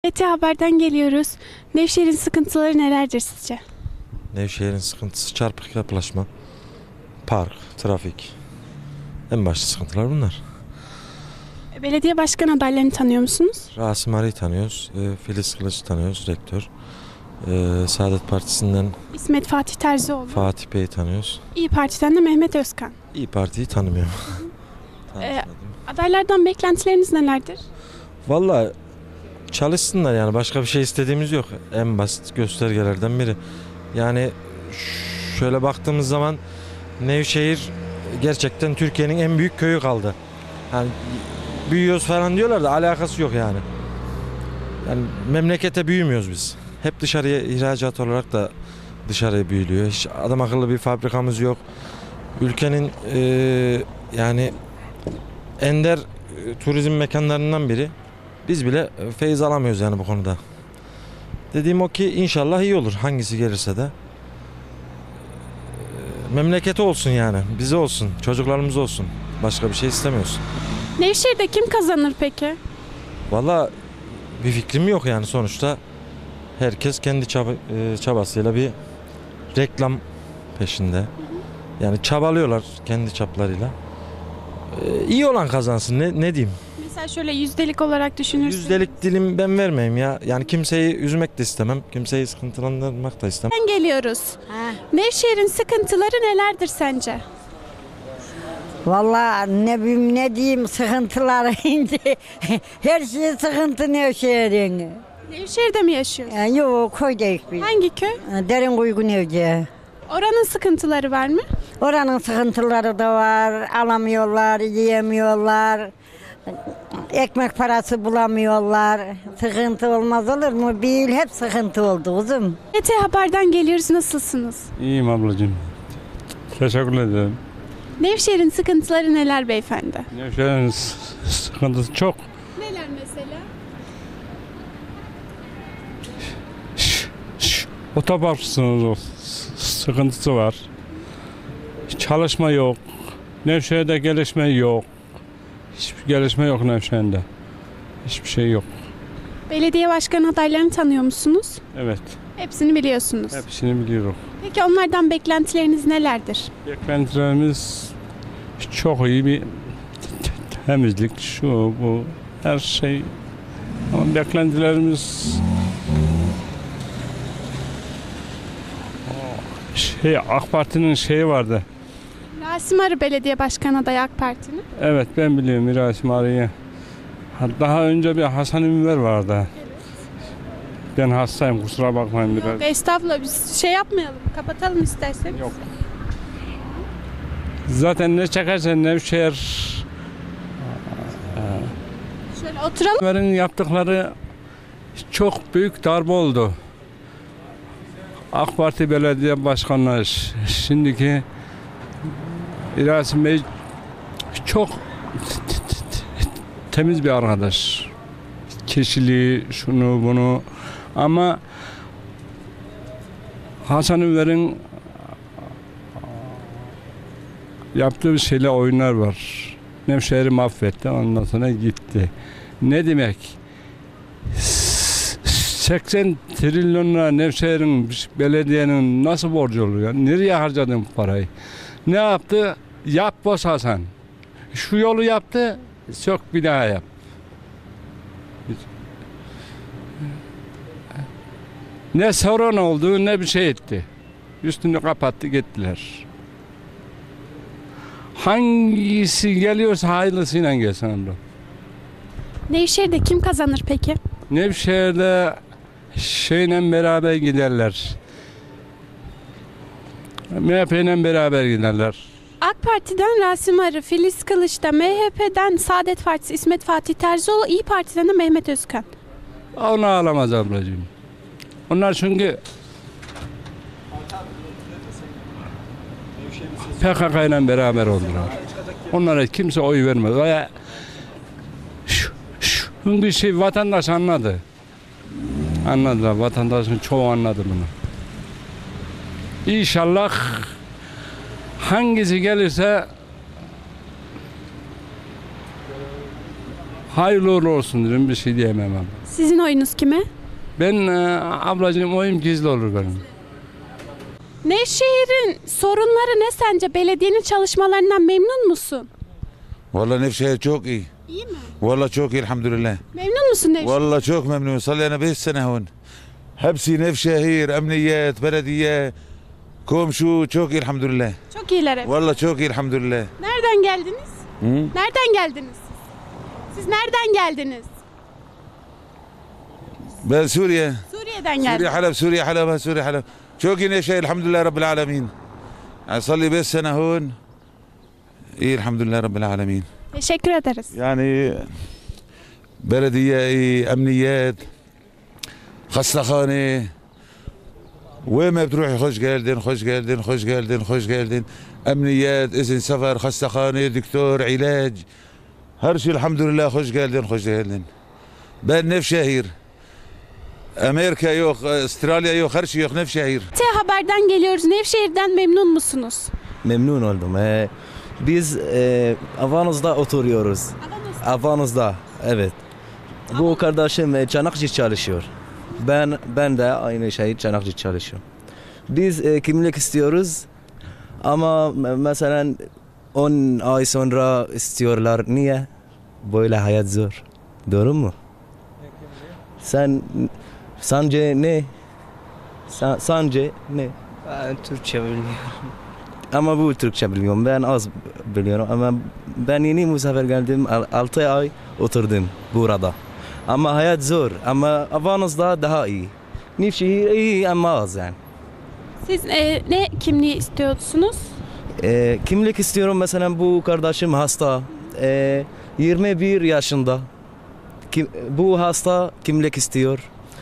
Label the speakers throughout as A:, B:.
A: TRT Haber'den geliyoruz. Nevşehir'in sıkıntıları nelerdir sizce?
B: Nevşehir'in sıkıntısı çarpık yapılaşma, park, trafik. En başta sıkıntılar bunlar.
A: Belediye başkan adaylarını tanıyor musunuz?
B: Rasim Arı'yı tanıyoruz, Filiz Kılıç'ı tanıyoruz, rektör. Saadet Partisi'nden
A: İsmet Fatih Terzioğlu.
B: Fatih Bey'i tanıyoruz.
A: İYİ Parti'den de Mehmet Özkan.
B: İYİ Parti'yi tanımıyorum.
A: Adaylardan beklentileriniz nelerdir?
B: Vallahi çalışsınlar yani başka bir şey istediğimiz yok. En basit göstergelerden biri. Yani şöyle baktığımız zaman Nevşehir gerçekten Türkiye'nin en büyük köyü kaldı. Yani büyüyoruz falan diyorlar da alakası yok yani. Yani memlekete büyümüyoruz biz. Hep dışarıya ihracat olarak da dışarıya büyülüyor. Hiç adam akıllı bir fabrikamız yok. Ülkenin yani ender turizm mekanlarından biri. Biz bile feyiz alamıyoruz yani bu konuda. Dediğim o ki inşallah iyi olur hangisi gelirse de. Memleketi olsun yani, bize olsun, çocuklarımız olsun. Başka bir şey istemiyoruz.
A: Nevşehir'de kim kazanır peki?
B: Vallahi bir fikrim yok yani sonuçta. Herkes kendi çabasıyla bir reklam peşinde. Yani çabalıyorlar kendi çaplarıyla. İyi olan kazansın ne diyeyim.
A: Mesela şöyle yüzdelik olarak düşünürseniz.
B: Yüzdelik dilim ben vermeyeyim ya. Yani kimseyi üzmek de istemem. Kimseyi sıkıntılandırmak da istemem.
A: Geliyoruz. Nevşehir'in sıkıntıları nelerdir sence?
C: Vallahi ne bileyim ne diyeyim sıkıntılar ince. Her şey sıkıntı Nevşehir'in.
A: Nevşehir'de mi yaşıyorsun?
C: Yok koydayız biz.
A: Hangi köy?
C: Derin Uygun Evci.
A: Oranın sıkıntıları var mı?
C: Oranın sıkıntıları da var. Alamıyorlar, yiyemiyorlar. Ekmek parası bulamıyorlar. Sıkıntı olmaz olur mu? Bir yıl hep sıkıntı oldu kızım.
A: TRT Haber'den geliyoruz. Nasılsınız?
D: İyiyim ablacığım. Teşekkür ederim.
A: Nevşehir'in sıkıntıları neler beyefendi?
D: Nevşehir'in sıkıntısı çok.
A: Neler mesela?
D: Otopark sıkıntısı var. Çalışma yok. Nevşehir'de gelişme yok. Hiçbir gelişme yok Nevşehir'de. Hiçbir şey yok.
A: Belediye başkan adaylarını tanıyor musunuz?
D: Evet.
A: Hepsini biliyorsunuz.
D: Hepsini biliyorum.
A: Peki onlardan beklentileriniz nelerdir?
D: Beklentilerimiz çok iyi bir temizlik, şu bu her şey. Ama beklentilerimiz AK Parti'nin şeyi vardı.
A: Rasim Arı belediye başkan adayı AK Parti'nin.
D: Evet ben biliyorum Mirasim Arı'yı. Daha önce bir Hasan Ünver vardı. Ben hastayım kusura bakmayın biraz.
A: Yok estağfurullah biz şey yapmayalım. Kapatalım isterseniz.
D: Yok. Zaten ne çekersen Nevşehir
A: Şöyle oturalım.
D: Ünver'in yaptıkları çok büyük darbe oldu. AK Parti belediye başkanları şimdiki Rasim Bey çok temiz bir arkadaş. Kişiliği, şunu bunu ama Hasan Ünver'in yaptığı şeyle oyunlar var. Nevşehir'i mahvetti, ondan sonra gitti. Ne demek? 80 trilyon lira Nevşehir'in belediyenin nasıl borcu olur ya? Nereye harcadın bu parayı? Ne yaptı? Yap boz Hasan. Şu yolu yaptı, sök bir daha yap. Ne sorun oldu ne bir şey etti. Üstünü kapattı gittiler. Hangisi geliyorsa hayırlısıyla gelsin abla.
A: Nevşehir'de kim kazanır peki?
D: Nevşehir'de şeyle beraber giderler. MHP'yle beraber giderler.
A: AK Parti'den Rasim Arı, Filiz Kılıç'ta, MHP'den Saadet Partisi İsmet Fatih Terzioğlu, İYİ Parti'den de Mehmet Özkan.
D: Onu alamaz ablacığım. Onlar çünkü PKK ile beraber oldular. Onlara kimse oy vermez. Veya bir şey vatandaş anladı. Anladılar. Vatandaşın çoğu anladı bunu. İnşallah hangisi gelirse Hayırlı uğurlu olsun dedim, bir şey diyemem ama.
A: Sizin oyunuz kime?
D: Ben ablacığım oyum gizli olur benim.
A: Nevşehir'in sorunları ne sence? Belediyenin çalışmalarından memnun musun?
E: Vallahi Nevşehir çok iyi.
A: İyi mi?
E: Vallahi çok iyi elhamdülillah.
A: Memnun musun Nevşehir?
E: Vallahi çok memnun. Sallayana 5 sene hon. Hepsi Nevşehir, emniyet, belediye, komşu çok iyi elhamdülillah.
A: Çok iyiler hep.
E: Vallahi çok iyi elhamdülillah.
A: Nereden geldiniz?
E: Hı?
A: Nereden geldiniz? Siz nereden geldiniz?
E: Ben Suriye.
A: Suriye'den
E: Suriye
A: geldiniz.
E: Halep, Suriye Halep, Suriye Halep. Çok iyi Nevşehir elhamdülillah Rabbil alemin. Yani salli 5 sene hon. İyi elhamdülillah Rabbil alemin.
A: Teşekkür ederiz.
E: Yani belediye iyi, emniyet, hastahane. وين ما بتروحي خوش geldin, خوش geldin, خوش geldin, خوش geldin. Emniyet, izin sefer, hastahane, doktor, ilaç. Her şey elhamdülillah hoş geldin, hoş geldin. Ben Nevşehir. Amerika yok, Avustralya yok, her şey yok Nevşehir.
A: T Haber'den geliyoruz. Nevşehir'den memnun musunuz?
F: Memnun oldum. Biz Avanos'da oturuyoruz. Avanos'da, evet. Bu kardeşim Çanakçı çalışıyor. Ben de aynı şey Çanakçı çalışıyorum. Biz kimlik istiyoruz ama mesela 10 ay sonra istiyorlar. Niye? Böyle hayat zor. Doğru mu? Sence ne? Sence ne?
G: Ben Türkçe bilmiyorum.
F: Ama bu Türkçe biliyorum. Ben az biliyorum ama ben yeni bu sefer geldim. 6 ay oturdum burada. Ama hayat zor. Ama Avanos'da daha iyi. Nevşehir iyi ama az yani.
A: Siz ne kimliği istiyorsunuz?
F: Kimlik istiyorum mesela bu kardeşim hasta. 21 yaşında. Bu hasta kimlik istiyor.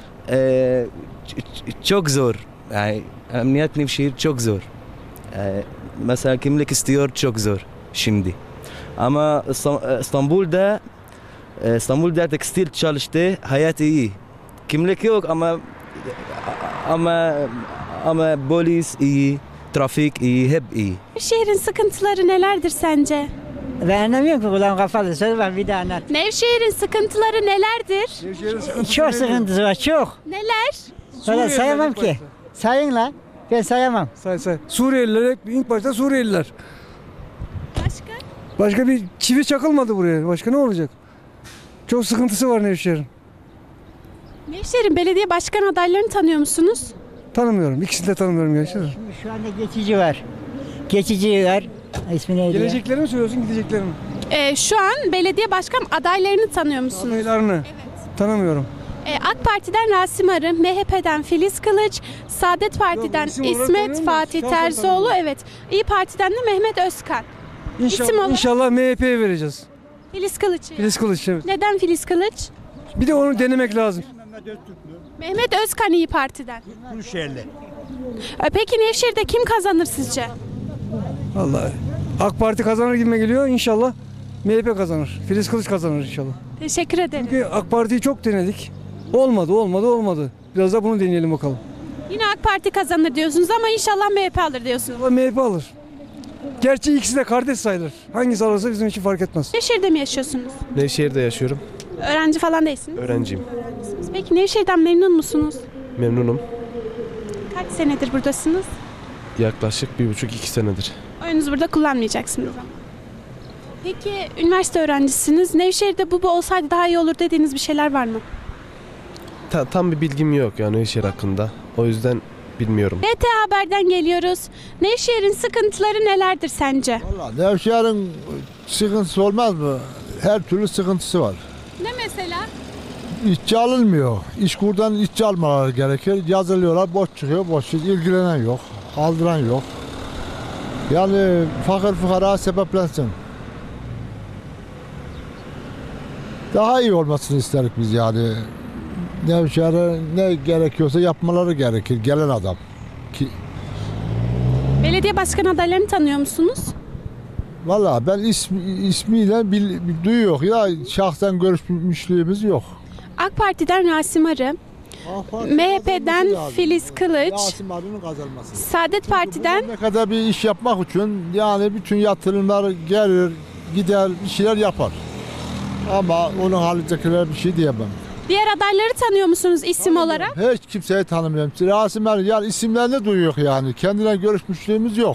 F: Çok zor. Yani emniyet Nevşehir çok zor. Mesela kimlik istiyor çok zor şimdi. Ama İstanbul'da tekstil çalıştı, hayat iyi. Kimlik yok ama polis iyi, trafik iyi, hep iyi.
A: Nevşehir'in sıkıntıları nelerdir sence?
C: Ben anlamıyorum ki kulağım kapalı. Söyle bak bir daha anlat.
A: Nevşehir'in sıkıntıları nelerdir?
C: Çok sıkıntısı var çok.
A: Neler?
C: Valla sayamam ki. Sayın la. Ben sayamam.
H: Say. Suriyeliler, ilk başta Suriyeliler.
A: Başka?
H: Başka bir çivi çakılmadı buraya. Başka ne olacak? Çok sıkıntısı var Nevşehir'in.
A: Nevşehir'in belediye başkan adaylarını tanıyor musunuz?
H: Tanımıyorum. İkisini de tanımıyorum gerçekten.
C: Şimdi şu anda geçici var. Geçici var. İsmi neydi ya?
H: Gelecekleri mi söylüyorsun, gidecekleri mi?
A: Şu an belediye başkan adaylarını tanıyor musunuz?
H: Adaylarını. Evet. Tanımıyorum.
A: AK Parti'den Rasim Arı, MHP'den Filiz Kılıç, Saadet Parti'den
H: isim olarak
A: İsmet
H: tanıyorum da
A: Fatih
H: şahsen
A: Terzoğlu,
H: tanımıyorum.
A: evet. İyi Parti'den de Mehmet Özkan. İsim olarak-
H: İnşallah MHP'ye vereceğiz.
A: Filiz Kılıç'ı.
H: Filiz Kılıç. Evet.
A: Neden Filiz Kılıç?
H: Bir de onu denemek lazım.
A: Mehmet Özkan İyi Parti'den.
I: Kuşehirli.
A: Peki Nevşehir'de kim kazanır sizce?
H: Vallahi AK Parti kazanır gibime geliyor. İnşallah MHP kazanır. Filiz Kılıç kazanır inşallah.
A: Teşekkür ederim.
H: Çünkü AK Parti'yi çok denedik. Olmadı. Biraz da bunu deneyelim bakalım.
A: Yine AK Parti kazanır diyorsunuz ama inşallah MHP alır diyorsunuz.
H: Ama MHP alır. Gerçi ikisi de kardeş sayılır. Hangisi alırsa bizim için fark etmez.
A: Nevşehir'de mi yaşıyorsunuz?
J: Nevşehir'de yaşıyorum.
A: Öğrenci falan değilsiniz.
J: Öğrenciyim.
A: Peki Nevşehir'den memnun musunuz?
J: Memnunum.
A: Kaç senedir buradasınız?
J: Yaklaşık 1,5-2 senedir.
A: Oyunuzu burada kullanmayacaksınız. Peki üniversite öğrencisiniz. Nevşehir'de bu olsaydı daha iyi olur dediğiniz bir şeyler var mı?
J: Tam bir bilgim yok yani Nevşehir hakkında. O yüzden bilmiyorum.
A: BT Haber'den geliyoruz. Nevşehir'in sıkıntıları nelerdir sence?
I: Valla Nevşehir'in sıkıntısı olmaz mı? Her türlü sıkıntısı var.
A: Ne mesela?
I: İşçi alınmıyor. İşkurdan işçi almaları gerekir. Yazılıyorlar, boş çıkıyor, boş. İlgilenen yok, aldıran yok. Yani fakir fukara sebeplensin. Daha iyi olmasını isterik biz yani. Nevşehir'e ne gerekiyorsa yapmaları gerekir gelen adam.
A: Belediye başkan adaylarını tanıyor musunuz?
I: Valla ben ismiyle duyuyor ya şahsen görüşmüşlüğümüz yok.
A: AK Parti'den Rasim Arı, MHP'den Filiz Kılıç,
I: Rasim Arı'nın kazanması.
A: Saadet Parti'den
I: Ne kadar bir iş yapmak için yani bütün yatırımlar gelir, gider, bir şeyler yapar. Ama onun halindekiler bir şey diyemem.
A: Diğer adayları tanıyor musunuz isim olarak?
I: Hiç kimseyi tanımıyorum. Rasimler yani isimlerini duyuyor yani. Kendine görüşmüşlüğümüz yok.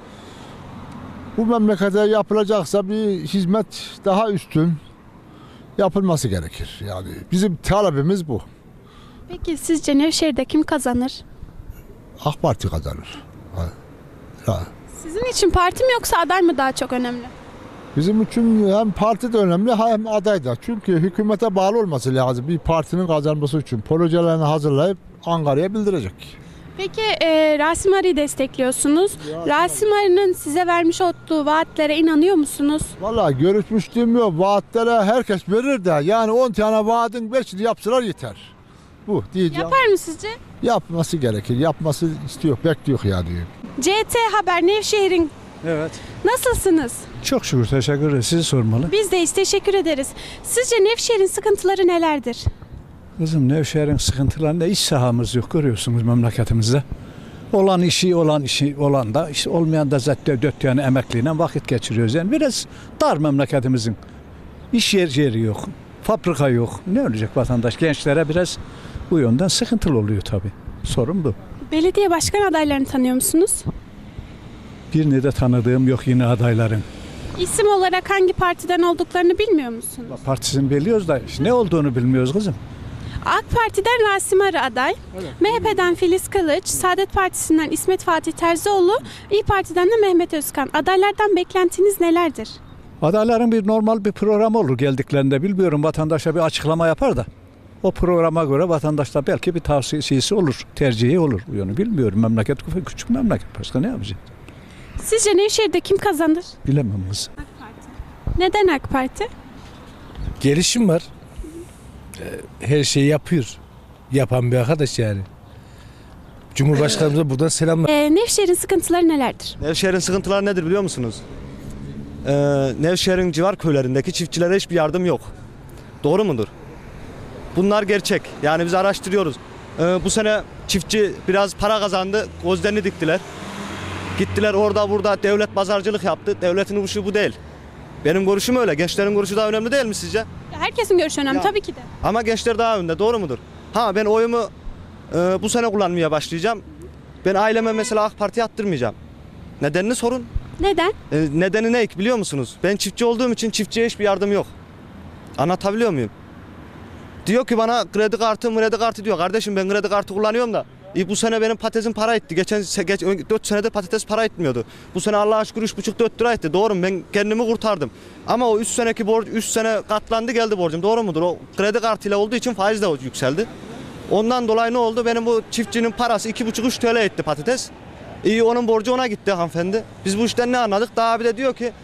I: Bu memlekete yapılacaksa bir hizmet daha üstün yapılması gerekir. Yani bizim talebimiz bu.
A: Peki sizce Nevşehir'de kim kazanır?
I: AK Parti kazanır. Ha.
A: Sizin için parti mi yoksa aday mı daha çok önemli?
I: Bizim için hem parti de önemli hem aday da. Çünkü hükümete bağlı olması lazım. Bir partinin kazanması için projelerini hazırlayıp Ankara'ya bildirecek.
A: Peki Rasim Arı'yı destekliyorsunuz. Rasim Arı'nın size vermiş olduğu vaatlere inanıyor musunuz?
I: Vallahi görüşmüştüm yok. Vaatlere herkes verir de yani 10 tane vaadin 5'ini yapsalar yeter. Bu diyeceğim.
A: Yapar mı sizce?
I: Yapması gerekir. Yapması istiyor, bekliyor ya diyor.
A: CT Haber Nevşehir'in
G: Evet.
A: nasılsınız?
G: Çok şükür, teşekkür ederim. Sizi sormalı.
A: Biz de teşekkür ederiz. Sizce Nevşehir'in sıkıntıları nelerdir?
G: Kızım Nevşehir'in sıkıntılarında iş sahamız yok, görüyorsunuz memleketimizde. Olan işi olan da, işte olmayan da zaten dört yani emekliyle vakit geçiriyoruz. Yani biraz dar memleketimizin. İş yeri yok, fabrika yok. Ne olacak vatandaş? Gençlere biraz bu yönden sıkıntılı oluyor tabii. Sorun bu.
A: Belediye başkan adaylarını tanıyor musunuz?
G: Birini de tanıdığım yok yine adayların.
A: İsim olarak hangi partiden olduklarını bilmiyor musunuz?
G: Partisini biliyoruz da ne olduğunu bilmiyoruz kızım.
A: AK Parti'den Rasim Arı aday, MHP'den Filiz Kılıç, Saadet Partisi'nden İsmet Fatih Terzioğlu, İYİ Parti'den de Mehmet Özkan. Adaylardan beklentiniz nelerdir?
G: Adayların bir normal bir programı olur geldiklerinde, bilmiyorum, vatandaşa bir açıklama yapar da o programa göre vatandaşta belki bir tavsiyesi olur, tercihi olur. Yani bilmiyorum, memleket küçük memleket, başka ne yapacak?
A: Sizce Nevşehir'de kim kazanır?
G: Bilemem kız.
A: AK Parti. Neden AK Parti?
J: Gelişim var. Her şeyi yapıyor. Yapan bir arkadaş yani. Cumhurbaşkanımıza buradan selamlar.
A: Nevşehir'in sıkıntıları nelerdir?
K: Nevşehir'in sıkıntıları nedir biliyor musunuz? Nevşehir'in civar köylerindeki çiftçilere hiçbir yardım yok. Doğru mudur? Bunlar gerçek. Yani biz araştırıyoruz. Bu sene çiftçi biraz para kazandı, gözlerini diktiler. Gittiler orada burada devlet pazarcılık yaptı. Devletin uğraşı bu değil. Benim görüşüm öyle. Gençlerin görüşü daha önemli değil mi sizce?
A: Herkesin görüşü önemli tabii ki de.
K: Ama gençler daha önde, doğru mudur? Ha, ben oyumu bu sene kullanmaya başlayacağım. Ben aileme mesela AK Parti'ye attırmayacağım. Nedenini sorun.
A: Neden?
K: Nedeni ne biliyor musunuz? Ben çiftçi olduğum için çiftçiye hiçbir yardım yok. Anlatabiliyor muyum? Diyor ki bana kredi kartı diyor. Kardeşim ben kredi kartı kullanıyorum da. Bu sene benim patatesim para etti. Geçen 4 senedir patates para etmiyordu. Bu sene Allah'a şükür 3,5-4 lira etti. Doğru mu? Ben kendimi kurtardım. Ama o 3 seneki borç 3 sene katlandı geldi borcum. Doğru mudur? O kredi kartıyla olduğu için faiz de yükseldi. Ondan dolayı ne oldu? Benim bu çiftçinin parası 2,5-3 TL etti patates. Onun borcu ona gitti hanımefendi. Biz bu işten ne anladık? Daha bir de diyor ki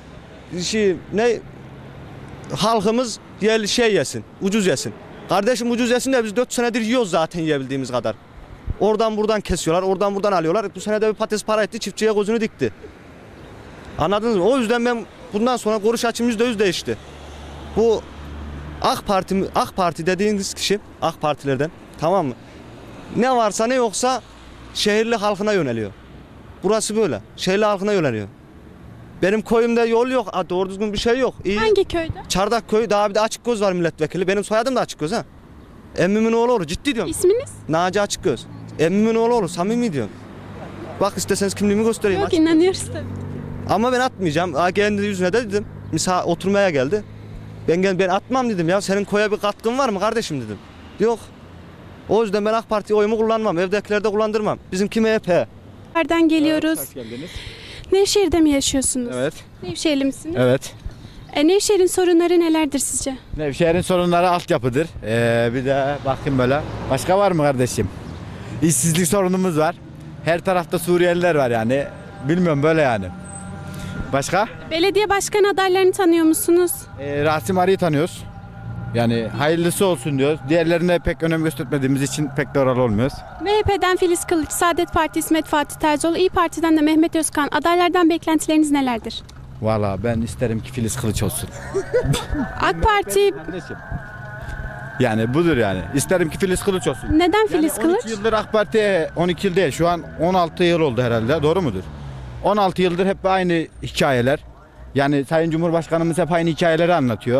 K: halkımız yesin, ucuz yesin. Kardeşim ucuz yesin de biz 4 senedir yiyoruz zaten yiyebildiğimiz kadar. Oradan buradan kesiyorlar, oradan buradan alıyorlar. Bu sene de bir patates para etti, çiftçiye gözünü dikti. Anladınız mı? O yüzden ben bundan sonra görüş açım %100 değişti. Bu AK Parti dediğiniz kişi, AK Partilerden, tamam mı? Ne varsa ne yoksa şehirli halkına yöneliyor. Burası böyle, şehirli halkına yöneliyor. Benim köyümde yol yok, doğru düzgün bir şey yok.
A: Hangi köyde?
K: Çardak köyü, daha bir de Açıkgöz var milletvekili. Benim soyadım da Açıkgöz ha. Emmimin oğlu olur, ciddi diyorum.
A: İsminiz?
K: Naci Açıkgöz. Emmimin oğlu olur, samimi diyorum. Bak isterseniz kimliğimi göstereyim.
A: Yok, inanıyoruz tabii.
K: Ama ben atmayacağım. Kendi yüzüne de dedim. Misal oturmaya geldi. Ben atmam dedim ya. Senin koya bir katkın var mı kardeşim dedim. Yok. O yüzden ben AK Parti oyumu kullanmam. Evdekilerde kullandırmam. Bizimki MHP.
A: Nereden geliyoruz?
L: Hoş geldiniz.
A: Nevşehir'de mi yaşıyorsunuz?
L: Evet.
A: Nevşehirli misiniz?
L: Evet.
A: Nevşehir'in sorunları nelerdir sizce?
L: Nevşehir'in sorunları altyapıdır. Bir de bakayım böyle. Başka var mı kardeşim? İşsizlik sorunumuz var. Her tarafta Suriyeliler var yani. Bilmiyorum böyle yani. Başka?
A: Belediye başkan adaylarını tanıyor musunuz?
L: Rasim Arı'yı tanıyoruz. Yani hayırlısı olsun diyoruz. Diğerlerine pek önem göstermediğimiz için pek de oralı olmuyoruz.
A: MHP'den Filiz Kılıç, Saadet Partisi İsmet Fatih Terzioğlu, İYİ Parti'den de Mehmet Özkan. Adaylardan beklentileriniz nelerdir?
L: Valla ben isterim ki Filiz Kılıç olsun.
A: AK Parti...
L: Yani budur yani. İsterim ki Filiz Kılıç olsun.
A: Neden Filiz
L: yani 12
A: Kılıç?
L: yıldır AK Parti 12 yıl değil. Şu an 16 yıl oldu herhalde. Doğru mudur? 16 yıldır hep aynı hikayeler. Yani Sayın Cumhurbaşkanımız hep aynı hikayeleri anlatıyor.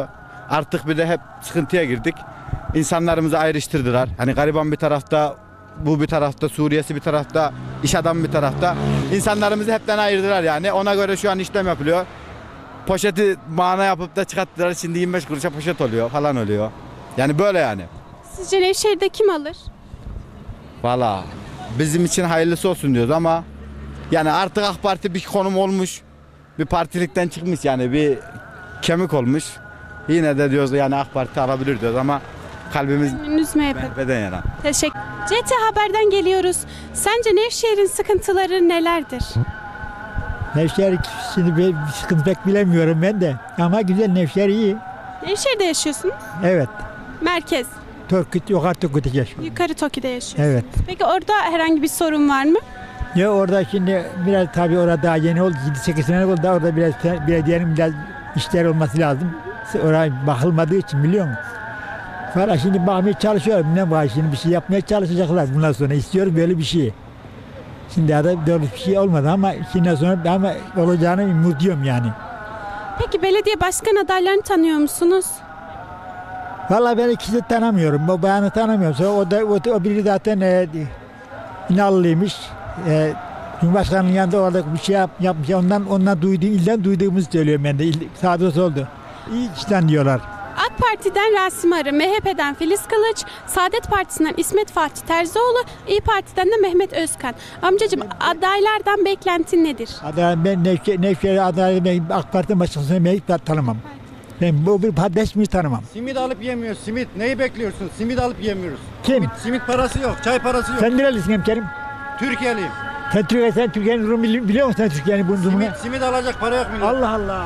L: Artık bir de hep sıkıntıya girdik. İnsanlarımızı ayrıştırdılar. Hani gariban bir tarafta, bu bir tarafta, Suriyesi bir tarafta, iş adamı bir tarafta. İnsanlarımızı hepten ayırdılar yani. Ona göre şu an işlem yapılıyor. Poşeti mana yapıp da çıkarttılar. Şimdi 25 kuruşa poşet oluyor falan oluyor. Yani böyle yani.
A: Sizce Nevşehir'de kim alır?
L: Valla bizim için hayırlısı olsun diyoruz ama yani artık AK Parti bir konum olmuş. Bir partilikten çıkmış yani bir kemik olmuş. Yine de diyoruz yani AK Parti alabilir diyoruz ama kalbimiz
A: Gönlünüz MHP.
L: MHP'den yana.
A: Teşekkür. CT Haber'den geliyoruz. Sence Nevşehir'in sıkıntıları nelerdir?
M: Nevşehir şimdi bir sıkıntı pek bilemiyorum ben de. Ama güzel, Nevşehir iyi.
A: Nevşehir'de yaşıyorsunuz.
M: Evet.
A: Merkez.
M: Yukarı Turkut'ta yaşıyorum.
A: Yukarı Toki'de yaşıyorsunuz.
M: Evet.
A: Peki orada herhangi bir sorun var mı?
M: Ya orada şimdi biraz tabii orada daha yeni oldu. 7-8 sene oldu. Orada biraz belediyenin biraz işler olması lazım. Oraya bakılmadığı için biliyor musun? Falan şimdi bakmaya çalışıyorum. Ne var şimdi bir şey yapmaya çalışacaklar bundan sonra. İstiyorum böyle bir şey. Şimdi daha da doğru bir şey olmadı ama şimdiden sonra ama olacağını umutluyum yani.
A: Peki belediye başkan adaylarını tanıyor musunuz?
M: Vallahi ben ikisini tanımıyorum. O bayanı tanımıyorum. Sonra o biri zaten İnanlıymış. Cumhurbaşkanının yanında orada bir şey yapmış. Ondan ilden duyduğumuzu söylüyorum ben de. Sağda solda. İyi işten diyorlar.
A: AK Parti'den Rasim Arı, MHP'den Filiz Kılıç, Saadet Partisi'nden İsmet Fatih Terzioğlu, İYİ Parti'den de Mehmet Özkan. Amcacığım adaylardan beklentin nedir?
M: Ben Nevşehir adayı AK Parti'den başkasını ben hiç tanımam. Ben bu bir resmi tanımam.
N: Simit alıp yemiyoruz. Simit. Neyi bekliyorsun? Simit alıp yemiyoruz.
M: Kim?
N: Simit parası yok. Çay parası yok.
M: Sen nerelisin hemşerim?
N: Türkiye'liyim.
M: Sen Türkiye'nin durumunu biliyor musun? Sen Türkiye'nin durumunu?
N: Simit alacak para yok millet.
M: Allah Allah.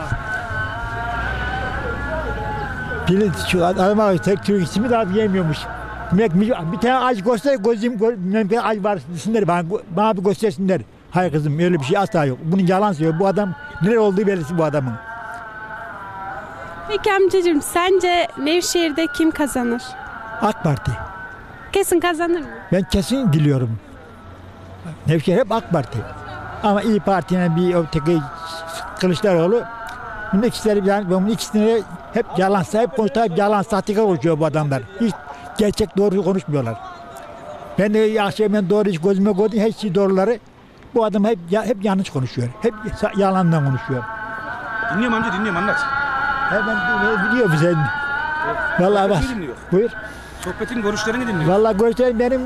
M: Şu adama Türk simit alıp yemiyormuş. Bir tane ağaç göster, gözüm ağaç var desinler bana bir göstersinler. Hayır kızım öyle bir şey asla yok. Bunun yalan söylüyor. Bu adam nereye olduğu belirsiz bu adamın.
A: Peki amcacığım sence Nevşehir'de kim kazanır?
M: AK Parti.
A: Kesin kazanır mı?
M: Ben kesin biliyorum. Nevşehir hep AK Parti. Ama İYİ Parti'nin bir öteki Kılıçdaroğlu bunun ikisini hep yalansa hep konuşuyor, hep yalan sahtekar konuşuyor bu adamlar. Hiç gerçek doğru konuşmuyorlar. Ben de akşam doğru hiç gözüme gördüm her şey doğruları. Bu adam hep yanlış konuşuyor. Hep yalandan konuşuyor.
O: Dinliyorum amca dinliyorum anlat.
M: Ben biliyorum sen. Vallahi bak. Buyur.
O: Sohbetin görüşlerini dinliyorum.
M: Vallahi görüşlerim benim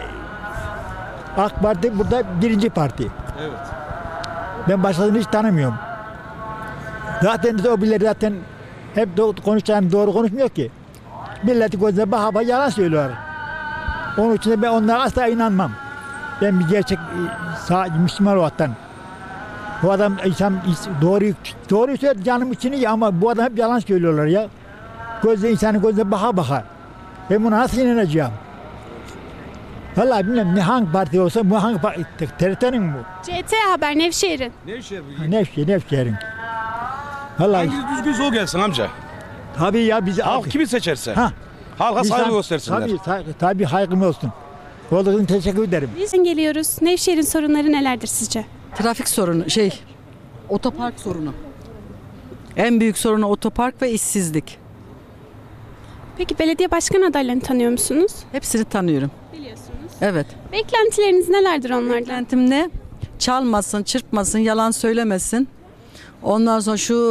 M: AK Parti burada birinci parti.
O: Evet.
M: Ben başkasını hiç tanımıyorum. Zaten o birileri zaten hep doğru konuşmuyor ki. Milleti gözüne baka yalan söylüyorlar. Onun için de ben onlara asla inanmam. Ben bir gerçek Müslüman olaraktan. Bu adam insan doğruyu söylüyor canım için iyi ama bu adam hep yalan söylüyorlar ya. İnsanın gözüne baka. Ben buna nasıl inanacağım? Vallahi bilmiyorum hangi parti olsa bu hangi parti? TRT'nin mi bu?
A: CT Haber Nevşehir'in.
M: Nevşehir'in. Vallahi.
O: Hangi düzgün sol gelsin amca?
M: Tabii ya biz
O: halk kimi seçerse. Halka saygı göstersinler.
M: Tabii haygım olsun. Olduğun için teşekkür ederim.
A: Biz geliyoruz. Nevşehir'in sorunları nelerdir sizce?
P: Trafik sorunu, otopark sorunu. En büyük sorunu otopark ve işsizlik.
A: Peki belediye başkan adaylarını tanıyor musunuz?
P: Hepsini tanıyorum.
A: Biliyorsunuz.
P: Evet.
A: Beklentileriniz nelerdir onlardan?
P: Beklentim ne? Çalmasın, çırpmasın, yalan söylemesin. Ondan sonra şu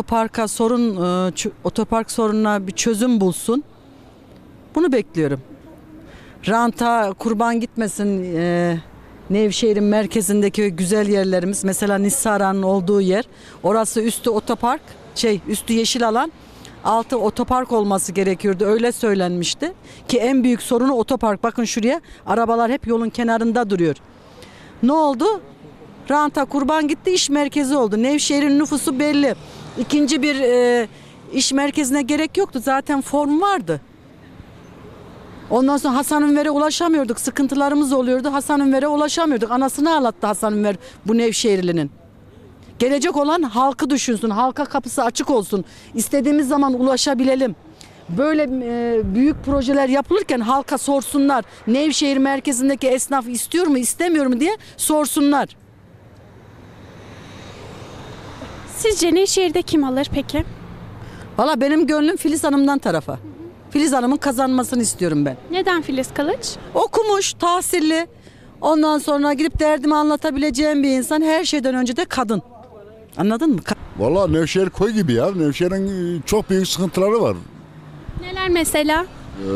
P: otopark sorununa bir çözüm bulsun. Bunu bekliyorum. Ranta kurban gitmesin. Nevşehir'in merkezindeki güzel yerlerimiz, mesela Nisara'nın olduğu yer, orası üstü otopark, üstü yeşil alan, altı otopark olması gerekiyordu, öyle söylenmişti ki en büyük sorunu otopark. Bakın şuraya, arabalar hep yolun kenarında duruyor. Ne oldu? Ranta kurban gitti, iş merkezi oldu. Nevşehir'in nüfusu belli. İkinci bir iş merkezine gerek yoktu, zaten form vardı. Ondan sonra Hasan Ünver'e ulaşamıyorduk. Sıkıntılarımız oluyordu. Hasan Ünver'e ulaşamıyorduk. Anasını ağlattı Hasan Ünver bu Nevşehirli'nin. Gelecek olan halkı düşünsün. Halka kapısı açık olsun. İstediğimiz zaman ulaşabilelim. Böyle büyük projeler yapılırken halka sorsunlar. Nevşehir merkezindeki esnaf istiyor mu, istemiyor mu diye sorsunlar.
A: Sizce Nevşehir'de kim alır peki?
P: Valla benim gönlüm Filiz Hanım'dan tarafa. Filiz Hanım'ın kazanmasını istiyorum ben.
A: Neden Filiz Kılıç?
P: Okumuş, tahsilli. Ondan sonra gidip derdimi anlatabileceğim bir insan. Her şeyden önce de kadın. Anladın mı?
Q: Valla Nevşehir koy gibi ya. Nevşehir'in çok büyük sıkıntıları var.
A: Neler mesela?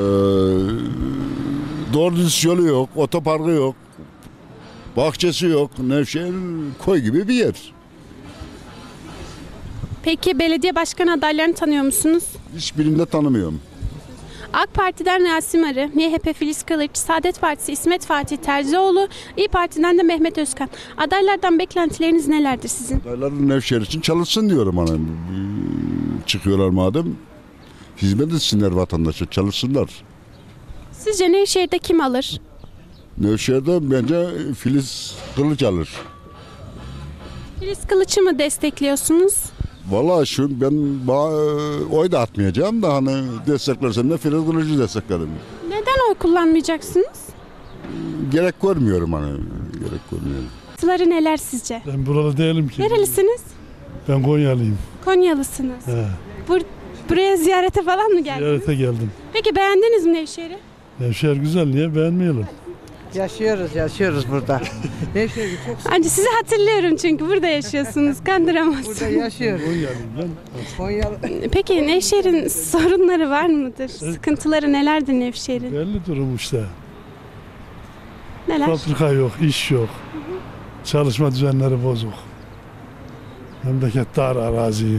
Q: Doğru düz yolu yok, otoparkı yok, bahçesi yok. Nevşehir koy gibi bir yer.
A: Peki belediye başkan adaylarını tanıyor musunuz?
Q: Hiçbirini de tanımıyorum.
A: AK Parti'den Rasim Arı, MHP Filiz Kılıç, Saadet Partisi İsmet Fatih Terzioğlu, İYİ Parti'den de Mehmet Özkan. Adaylardan beklentileriniz nelerdir sizin?
Q: Adaylar Nevşehir için çalışsın diyorum. Hani. Çıkıyorlar madem, hizmet etsinler vatandaşa, çalışsınlar.
A: Sizce Nevşehir'de kim alır?
Q: Nevşehir'de bence Filiz Kılıç alır.
A: Filiz Kılıç'ı mı destekliyorsunuz?
Q: Vallahi ben oy da atmayacağım da hani desteklersem de Filiz Kılıç'ı desteklerim.
A: Neden oy kullanmayacaksınız?
Q: Gerek görmüyorum hani. Gerek görmüyorum.
A: Sıları neler sizce?
R: Ben burada değilim ki.
A: Nerelisiniz?
R: Ben Konyalıyım.
A: Konyalısınız.
R: He.
A: Buraya ziyarete falan mı geldiniz?
R: Ziyarete geldim.
A: Peki beğendiniz mi Nevşehir'i?
R: Nevşehir güzel, niye beğenmeyelim?
S: Yaşıyoruz burada. Nevşehir'i çok
A: Anca sizi hatırlıyorum çünkü burada yaşıyorsunuz. Kandıramazsınız.
S: burada yaşıyoruz.
R: Konyalıyım ben.
S: Konyalı.
A: Peki Nevşehir'in sorunları var mıdır? Sıkıntıları nelerdir Nevşehir'in?
R: Belli durum işte.
A: Neler?
R: Fabrika yok, iş yok. Çalışma düzenleri bozuk. Memleket dar arazi.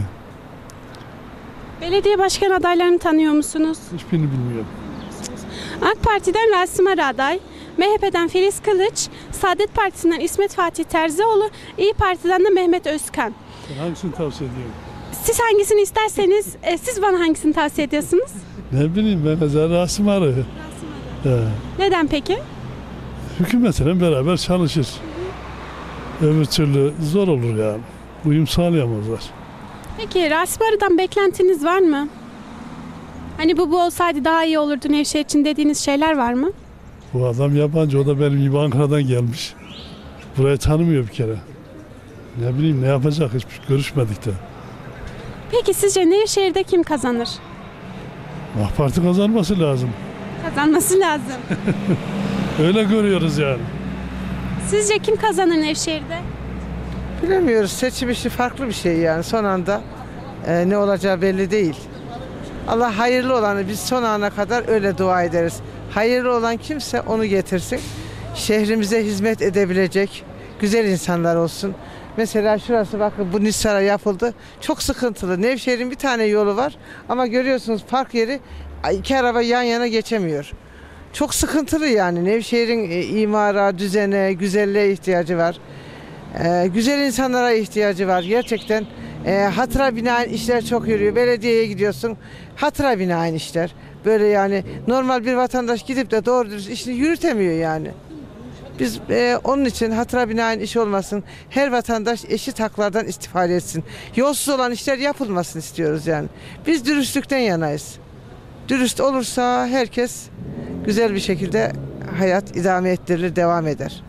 A: Belediye başkan adaylarını tanıyor musunuz?
R: Hiçbirini bilmiyorum.
A: AK Parti'den Rasim Arı aday, MHP'den Filiz Kılıç, Saadet Partisi'nden İsmet Fatih Terzioğlu, İYİ Parti'den de Mehmet Özkan.
R: Ben hangisini tavsiye ediyorum?
A: Siz hangisini isterseniz, siz bana hangisini tavsiye ediyorsunuz?
R: Ne bileyim ben mesela Rasim Arı.
A: Neden peki?
R: Hükümetle beraber çalışır. Öbür türlü zor olur yani. Uyum sağlayamazlar.
A: Peki Rasim Arı'dan beklentiniz var mı? Hani bu olsaydı daha iyi olurdu Nevşehir için dediğiniz şeyler var mı?
R: Bu adam yabancı, o da benim gibi Ankara'dan gelmiş. Burayı tanımıyor bir kere. Ne bileyim ne yapacak, hiç görüşmedik de.
A: Peki sizce Nevşehir'de kim kazanır?
R: AK Parti kazanması lazım.
A: Kazanması lazım.
R: Öyle görüyoruz yani.
A: Sizce kim kazanır Nevşehir'de?
S: Bilemiyoruz. Seçim işi farklı bir şey yani. Son anda ne olacağı belli değil. Allah hayırlı olanı biz son ana kadar öyle dua ederiz. Hayırlı olan kimse onu getirsin. Şehrimize hizmet edebilecek güzel insanlar olsun. Mesela şurası bakın bu Nisar'a yapıldı. Çok sıkıntılı. Nevşehir'in bir tane yolu var ama görüyorsunuz park yeri iki araba yan yana geçemiyor. Çok sıkıntılı yani. Nevşehir'in imara, düzene, güzelliğe ihtiyacı var. Güzel insanlara ihtiyacı var. Gerçekten hatıra binaen işler çok yürüyor. Belediyeye gidiyorsun. Hatıra binaen işler. Böyle yani normal bir vatandaş gidip de doğru dürüst işini yürütemiyor yani. Biz onun için hatıra binaen iş olmasın. Her vatandaş eşit haklardan istifade etsin. Yolsuz olan işler yapılmasın istiyoruz yani. Biz dürüstlükten yanayız. Dürüst olursa herkes güzel bir şekilde hayat idame ettirilir, devam eder.